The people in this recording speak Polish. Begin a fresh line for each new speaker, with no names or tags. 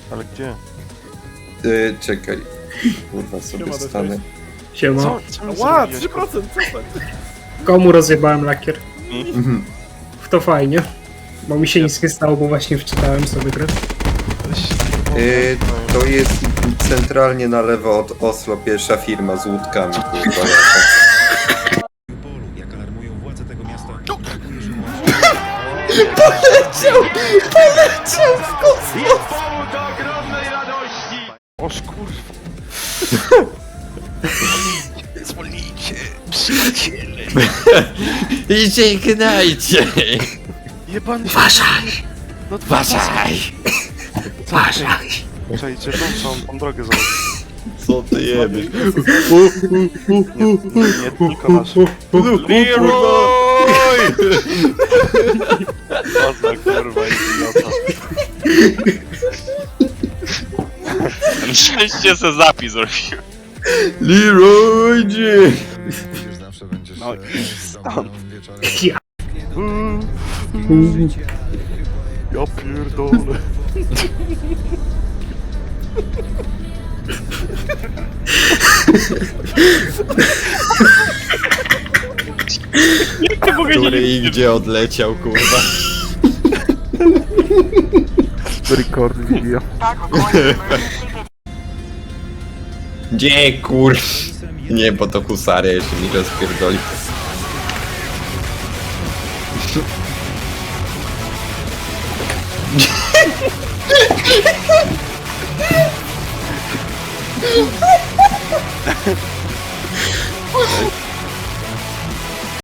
Ale gdzie?
Czekaj. Kurwa, sobie
Siema,
stanę.
Siema.
Co mi
Ła,
zrobiłeś,
3%, co tak?
Komu rozjebałem lakier?
Mhm.
To fajnie. Bo mi się nic nie stało, bo właśnie wczytałem sobie grę.
To jest centralnie na lewo od Oslo pierwsza firma z łódkami, kurwa.
Jak alarmują władze tego miasta,
Poleciał w kosmos!
Oż kurwa.
zwolnijcie, przyjaciele.
Idzie i gnajcie!
Jebany się.
Uważaj!
No
Uważaj! Uważaj!
Czekajcie, tą drogę zobacz.
Co ty jebiesz?
Nie tylko nasz.
Leroy!
Co za kurwa idiota.
Szczęście se zapis zrobił.
Leroy G!
Zawsze będziesz
No i stąd.
wieczorem.
Ja pierdolę.
Który i gdzie odleciał, kurwa.
Record video.
Gdzie, kur... Nie, bo to husaria jeszcze mi rozpierdoli.